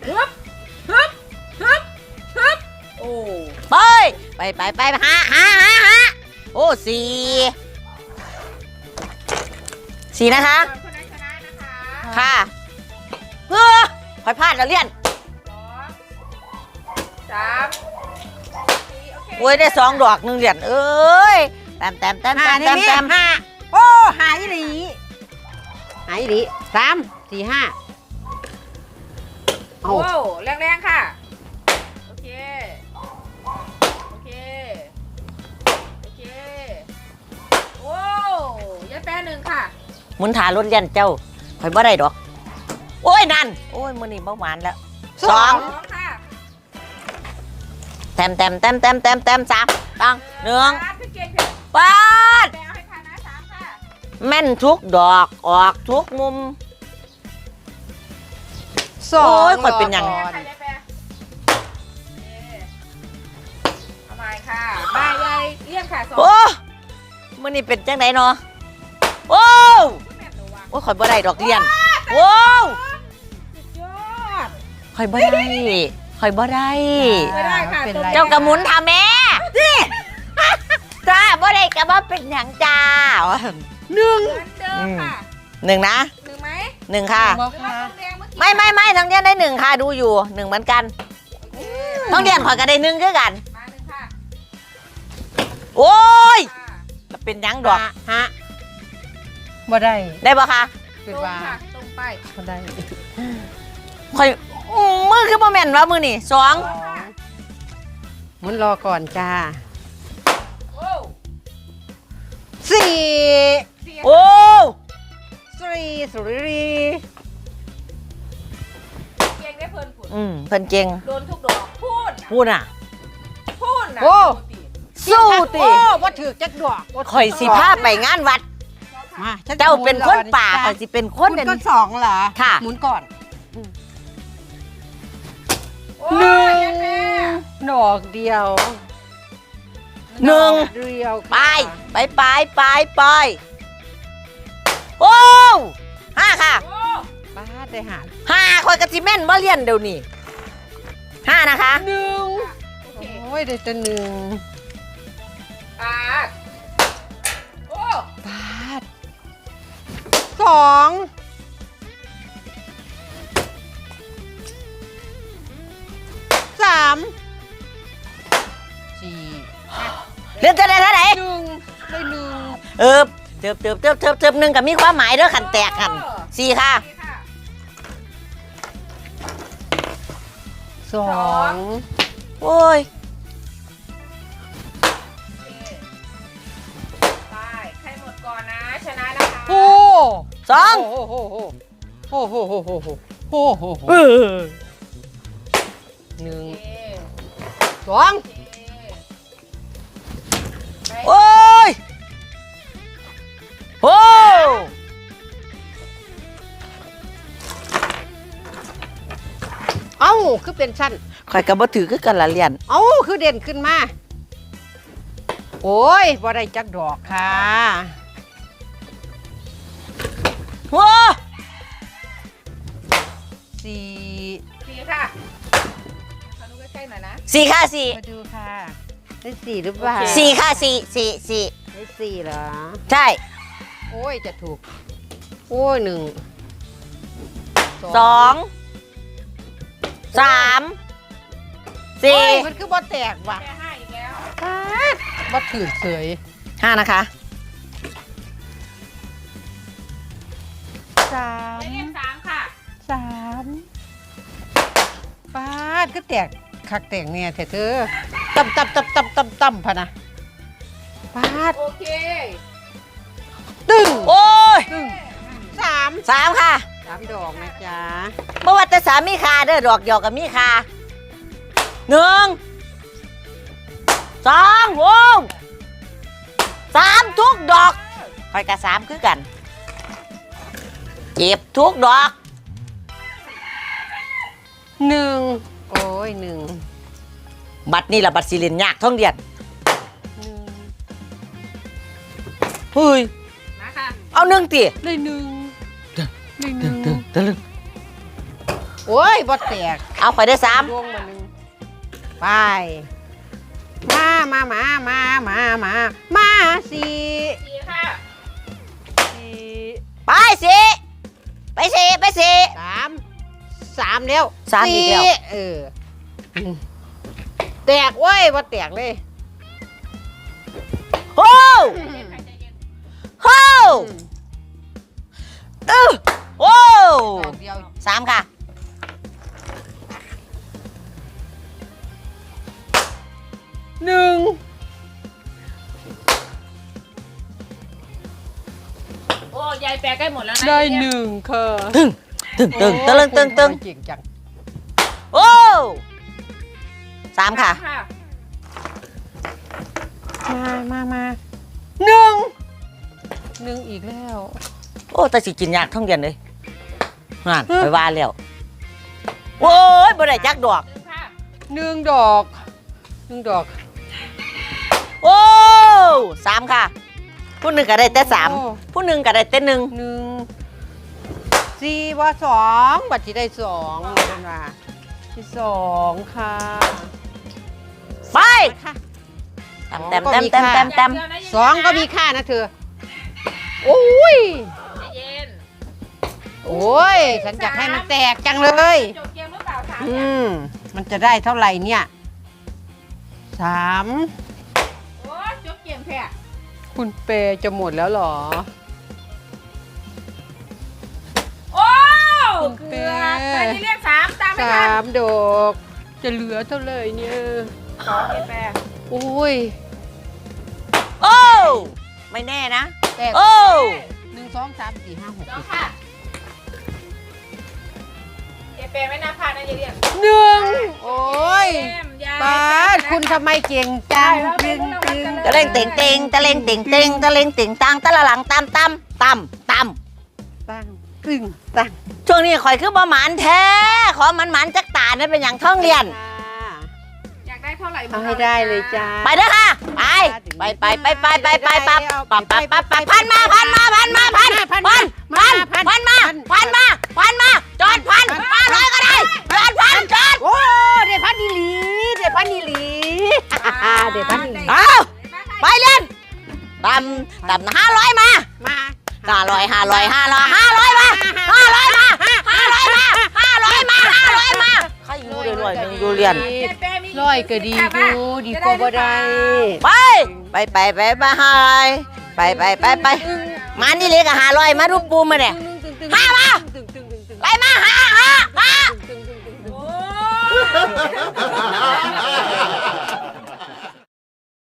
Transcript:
ฮึบฮึบฮึบฮึบโอ้ไปหาโอ้สี่นะคะคนนั้นชนะนะคะค่ะคอยพลาดแล้วเลี่ยน 2 3 4โอเคโอ้ยได้2 ดอก1 เหรียญเอ้ยแต้มห้าโอ้หายหลี3 4 5เอาโอ้แรงๆค่ะโอเคโอเคโอเคโอ้ยายแปร1ค่ะหมุนถารถเลี่ยนเจ้าคอยบ่ได้ดอกโอ้ยนั่นโอ้ยมื้อนี้เบาหวานแล้ว2 ค่ะแต้ม3ต้อง1 พี่เก่งเถอะปาดแปรเอาให้ทันนะ3ค่ะแม่นทุกดอกออกทุกมุมสองโอ้ยข่อยเป็นหยังแปรค่ะยายแปรโอเคเอาใหม่ค่ะมายายเลี่ยนค่ะ2 โอ้มื้อนี้เป็นจังไดเนาะโอ้แม่หนูวะโอ้ยข่อยบ่ได้ดอกเลี่ยนโอ้สุดยอดข่อยบ่ได้ไม่ได้ค่ะเป็นไรเจ้ากระหมุนทาแม่นี่จ้าบ่ได้กระบ่เป็นหยังจ้าเหมือนเดิมค่ะ 1นะ 1ไหม 1ค่ะบอกหรือว่าค่ะต้องแดงเมื่อกี้ไม่ทั้งเดียนได้1ค่ะดูอยู่1เหมือนกันโอเคทั้งเดียนข่อยก็ได้1คือกันมา1ค่ะโอ้ยค่ะเป็นหยังดอกฮะบ่ได้ได้บ่คะตคือรงว่าค่ะตรงไปบ่ได้ข่อยมือคือบ่แม่นว่ามือนี่2 หมุนรอก่อนจ้าโอ้ 4 เสียโอ้ 3 สุริเก่งได้เพลินผุดเพิ่นเก่งโดนทุกดอกพูดพูดน่ะพูดนะโอ้สู้ติโอ้บ่ถือจักดอกบ่ข่อยสิพาไปงานวัดมาฉัจะเจ้าเป็นคนป่าหมุข่อยสิเป็นครอนเป็นก็2เหรอค่ะหมุนก่อนโอ้ยยังแม่ดอกเดียวหนึ่งดอกเดียวไปค่ะไปโอ้5ค่ะโอ้ป้าได้หา 5ข่อยก็สิแม่นบ่เรียนเดี๋ยวนี้5นะคะ 1 โอเคโอ้ยได้แต่1 ปาดโอ้บาท2 3 4 เรียนจะได้เท่าไหร่ 1ได้1 เติบ1ก็มีความหมายเด้อคันแตกกัน4ค่ะนี่ค่ะ 2 โอ้ยโอเคไปใครหมดก่อนนะ ชนะนะคะโอ้ 2 โอ้โหโอ้โหโอ้โหโอ้โหโอ้โหเออหนึ่งโอเคสองโอเคไปโอ้ยโอ้เอ้าคือเป็นชั้นข่อยก็บ่ถือคือกันละเรียนเอ้าคือเด่นขึ้นมา โอ้ยบ่ได้จักดอกค่ะโอ้สี่ 4ค่ะขอดูใกล้ๆหน่อยนะ 4ค่ะมาดูค่ะ ได้สี่หรือเปล่าโอเค 4ค่ะ4 ได้สี่เหรอใช่โอ้ยจะถูก โอ้ย1 2 3 เฮ้ย 4 มันคือบ่แตกว่ะแค่5อีกแล้วบ่ถือเฉย 5นะคะไปเรียก3ค่ะ 3ป้าดก็แตกคักแตกเนี่ยเถอะเธอต่ำพะนะป้าดโอเคตึ้งโอ้ยตึ้ง3 3ค่ะ 3 ดอกนะจ๊ะเมื่อวันแต่สามมีคาเด้อดอกเดียวกับมีคา1 2โว้3ทุกดอกคอยกับ3คือกันเจ็บทุกดอก 1 โอ้ย1 บัตรนี่ละบัตรสิเลียนยากท่องเรียนเฮ้ยมาค่ะเอา1ติได้1ได้1 ตะลึงโอ้ยบ่แตกเอาข่อยได้สามดวงมาหนึ่งไปมาสี่สี่ค่ะสี่ไปสิไปสิไปสิสามแล้วสามอีกแล้วเออแตกเว้ยบ่แตกเลยโอ้ใจเย็นค่ะใจเย็นโอ้ตื้อโอ้ดอกเดียวสามค่ะหนึ่งโอ้ยายแปลใกล้หมดแล้วนะได้หนึ่งค่ะตึงตึงตึงตึงตึงตึงเก่งจังโอ้สามค่ะค่ะมาหนึ่งอีกแล้วโอ้แต่สิกินยากท่องเรียนเลยงานไปว่าแล้วโอ้ยบ่ได้จักดอกหนึ่งค่ะหนึ่งดอกโอ้สามค่ะ ผู้หนึ่งก็ได้แต่สามโอ้ผู้หนึ่งก็ได้แต่หนึ่งหนึ่งสี่ว่าสองบัตรที่ได้สองเป็นว่าที่สองค่ะไปค่ะแต้มแต้มแต้มแต้มแต้มอย่าเดียวนะสองก็มีค่านะเธอโอ้ยใจเย็นโอ้ยฉันอยากให้มันแตกจังเลยจบเกมหรือเปล่าสามอืเนี่ยมมันจะได้เท่าไหร่เนี่ยสามโอ้จบเกมแพ้คุณเปย์จะหมดแล้วเหรอโอ้คุณเกืเป้อบแต่ที่เรียกสามตามไม่สาทันมดอกจะเหลือเท่าไหร่เนี่ยสองเกมแพ้โอ้ยโอ้ไม่แน่นะแตกโอ้หนึ่งสองสามสี่ห้าหกสองค่ะยายแปลไม่น่าพลาดนะยายเรียกหนึ่งโอ้ยเกมยายป้าดคุณทำไมเก่งจังตึงตึงตะเล่งเต่งเต่งตะเล่งเต่งเต่งตะเล่งเต่งตังตะละหลังตามตามตามตามตั้งตึงตั้งช่วงนี้ข่อยคือบ่หมานแท้ขอมันหมานจักตานั่นเป็นอย่างท่องเรียนอยากได้เท่าไหร่เอาให้ได้เลยจ้าไปเด้อค่ะ ไปพันมาจอดพัน500ก็ได้จอดพันจอดโอ้เดี๋ยวพันนีหลีเดี๋ยวพันนีหลีเดี๋ยวพันนีหลีเอาไปเรียนต่ำ500มามา 500มาใครอยู่รวยๆนึงอยู่เรียนร้อยก็ดีอยู่ดีกว่าบ่ได้ไปมานี่เลยกับ500มารูปปูมาเนี่ยห้ามาไปมาห้าโอ้